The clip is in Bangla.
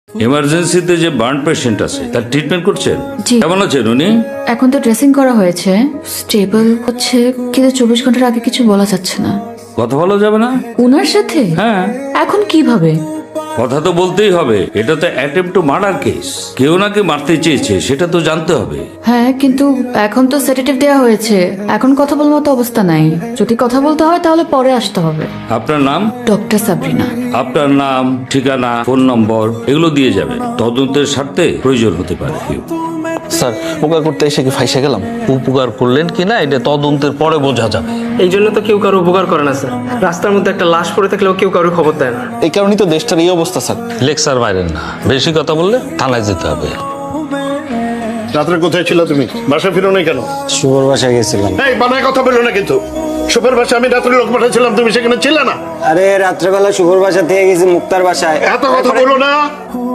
এমার্জেন্সিতে যে বার্ন পেশেন্ট আছে তার ট্রিটমেন্ট করছেন? জি। কেমন আছেন উনি? এখন তো ড্রেসিং করা হয়েছে, স্টেবল হচ্ছে, কিন্তু 24 ঘন্টার আগে কিছু বলা যাচ্ছে না। কথা বলা যাবে না? উনার সাথে হ্যাঁ, এখন কিভাবে? কথা তো বলতেই হবে। এটা তো অ্যাটেম্পট টু মার্ডার কেস। কেউ নাকি মারতে চেয়েছে সেটা তো জানতে হবে। হ্যাঁ, কিন্তু এখন তো সেডেটিভ দেওয়া হয়েছে, এখন কথা বলার মতো অবস্থা নাই। যদি কথা বলতে হয় তাহলে পরে আসতে হবে। আপনার নাম? ডক্টর সাবরিনা। আপনার নাম, ঠিকানা, ফোন নম্বর এগুলো দিয়ে যাবেন। তদন্তের স্বার্থে প্রয়োজন হতে পারে। স্যার, উপকার করতে এসে কি ফাইসে গেলাম? উপকার করলেন কিনা এটা তদন্তের পরে বোঝা যাবে। এই জন্য তো কেউ কারো উপকার করে না স্যার। রাস্তার মধ্যে একটা লাশ পড়ে থাকলেও কেউ কারো খবর দেয় না। এই কারণেই তো দেশটার এই অবস্থা স্যার। লেকচার বাইরেন না, বেশি কথা বললে থানায় যেতে হবে। রাত্রে কোথায় ছিল তুমি? বাসা ফিরো নাই কেন? শুভর বাসায় গেছিলাম। এই বানায় কথা বললো না কিন্তু। সুপের বাসা আমি রাত্রে লোক পাঠাচ্ছিলাম, তুমি সেখানে ছিলে না। আরে রাত্রেবেলা শুভর বাসা থেকে গেছি মুক্তার বাসায়। এত কথা বলো না।